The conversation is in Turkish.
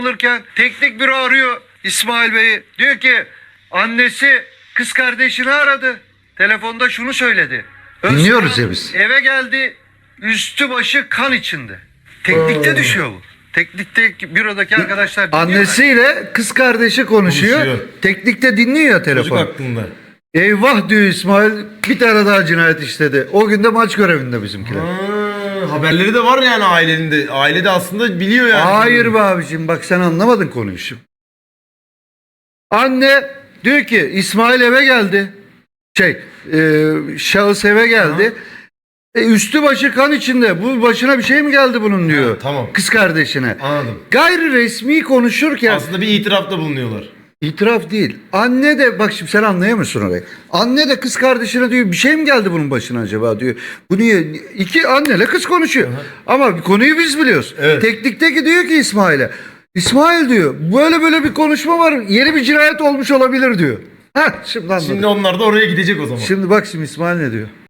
alırken teknik büro arıyor İsmail Bey'i. Diyor ki annesi kız kardeşini aradı. Telefonda şunu söyledi. Dinliyoruz ya biz. Eve geldi, üstü başı kan içinde. Teknikte düşüyor bu. Teknikte bürodaki arkadaşlar dinliyor. Annesiyle kız kardeşi konuşuyor. Teknikte dinliyor ya telefon. Çocuk aklında. Eyvah diyor İsmail, bir tane daha cinayet işledi. O gün de maç görevinde bizimkiler. Haberleri de var yani ailenin de. Aile de aslında biliyor yani. Hayır be abicim, bak sen anlamadın konuyu şimdi. Anne diyor ki İsmail eve geldi. Şahıs eve geldi. Üstü başı kan içinde. Bu başına bir şey mi geldi bunun diyor. Ha, tamam. Kız kardeşine. Anladım. Gayri resmi konuşurken. Aslında bir itirafta bulunuyorlar. İtiraf değil. Anne de bak şimdi sen anlayamıyorsun orayı. Anne de kız kardeşine diyor bir şey mi geldi bunun başına acaba diyor. Bu niye? İki anneyle kız konuşuyor. Ama konuyu biz biliyoruz. Evet. Teknikteki diyor ki İsmail'e. İsmail diyor böyle bir konuşma var. Yeni bir cinayet olmuş olabilir diyor. Heh, şimdi anladım. Şimdi onlar da oraya gidecek o zaman. Şimdi bak şimdi İsmail ne diyor.